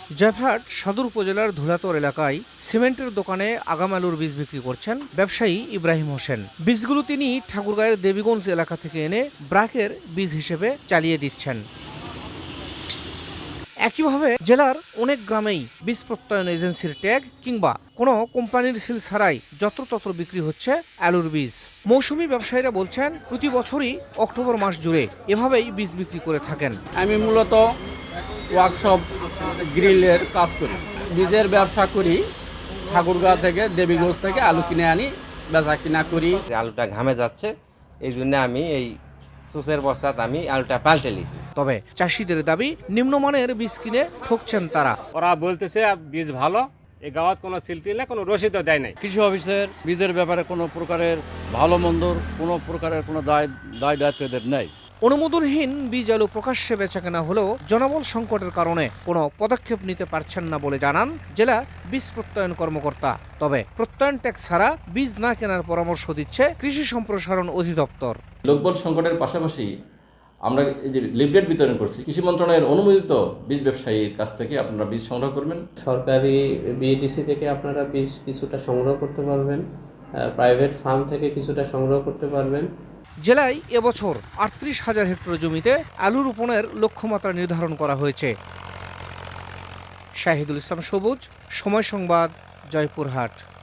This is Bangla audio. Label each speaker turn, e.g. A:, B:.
A: জয়পুরহাট সদর উপজেলার ধুলাতর এলাকায় সিমেন্টের দোকানে আগাম আলুর বীজ বিক্রি করছেন ব্যবসায়ী ইব্রাহিম হোসেন। বীজগুলো তিনি ঠাকুরগাঁয়ের দেবীগঞ্জ এলাকা থেকে এনে ব্রাকের বীজ হিসেবে চালিয়ে দিচ্ছেন। একইভাবে জেলার অনেক গ্রামেই বীজ প্রত্যয়ন এজেন্সির ট্যাগ কিংবা কোনো কোম্পানির সিল ছাড়াই যত্রতত্র বিক্রি হচ্ছে আলুর বীজ। মৌসুমী ব্যবসায়ীরা বলছেন প্রতি বছরই অক্টোবর মাস জুড়ে এভাবেই বীজ বিক্রি করে থাকেন।
B: আমি মূলত ওয়ার্কশপ গ্রিলের কাজ করি, বীজের ব্যবসা করি। ঠাকুরগাঁও থেকে দেবীগঞ্জ থেকে আলু কিনে আনি, বেচা কিনা করি।
C: আলুটা ঘামে যাচ্ছে, এই জন্য আমি এই সুসের বস্তাত আমি আলুটা পাল্টে নিয়েছি।
A: তবে চাষিদের দাবি নিম্নমানের বীজ কিনে ঠকছেন তারা।
D: ওরা বলতেছে বীজ ভালো, এই গাঁওয়াত কোনো সিলটিলে কোনো রসিদও দেয় নাই।
E: কৃষি অফিসের বীজের ব্যাপারে কোনো প্রকারের ভালো মন্দর কোনো প্রকারের কোনো দায় দায়িত্ব এদের নেই।
A: অনুমোদনহীন বীজ আলু প্রকাশ্যে বেচাকেনা হলেও জনবল সংকটের কারণে কোনো পদক্ষেপ নিতে পারছেন না বলে জানান জেলা বীজ প্রত্যয়ন কর্মকর্তা। তবে প্রত্যয়ন ট্যাক্স ছাড়া বীজ না কেনার পরামর্শ দিচ্ছে কৃষি সম্প্রসারণ অধিদপ্তর।
F: লোকবল সংকটের পাশাপাশি আমরা এই যে লিফলেট বিতরণ করছি, কৃষি মন্ত্রণালয়ের অনুমোদিত বীজ ব্যবসায়ীর কাছ থেকে আপনারা বীজ সংগ্রহ করবেন।
G: সরকারি বিএডিসি থেকে আপনারা বীজ কিছুটা সংগ্রহ করতে পারবেন, প্রাইভেট ফার্ম থেকে কিছুটা সংগ্রহ করতে পারবেন।
A: জেলায় এবছর ৩৮,০০০ হেক্টর জমিতে আলু রোপণের লক্ষ্যমাত্রা নির্ধারণ করা হয়েছে। শাহিদুল ইসলাম সবুজ, সময় সংবাদ, জয়পুরহাট।